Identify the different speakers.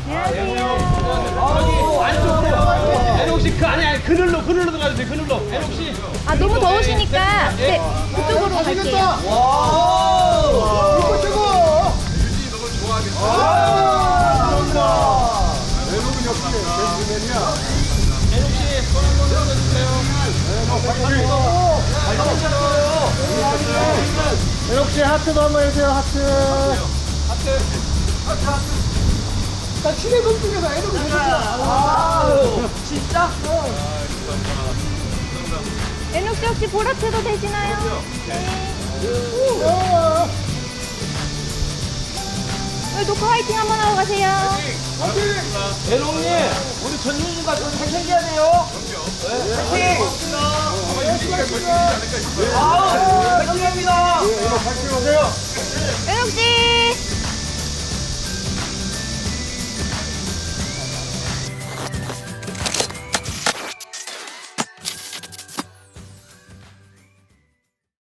Speaker 1: 안녕하세요.
Speaker 2: 안쪽으로. 애녹 씨, 아니, 그늘로 들어가야 돼, 그늘로. 애녹 씨.
Speaker 1: 아, 너무 더우시니까 네, 그쪽으로 갈게요.
Speaker 3: 와, 이거 최고. 너무 좋아하겠어. 외국인 역시 벤츠맨이야.
Speaker 2: 애녹 씨, 손 한번 들어주세요.
Speaker 3: 애녹 씨 하트도 한번 해주세요. 하트. 나 친해 동쪽에서 애녹이 해줬어.
Speaker 2: 진짜?
Speaker 1: 애녹 씨 혹시 보라트도 되시나요? 네. 네, 녹화 화이팅 한번 하고 가세요.
Speaker 2: 애녹님, 우리 전윤주가 좀 생생해야 돼요. 파이팅! 파이팅입니다.
Speaker 3: 애녹 파이팅 하세요.
Speaker 1: 애녹 씨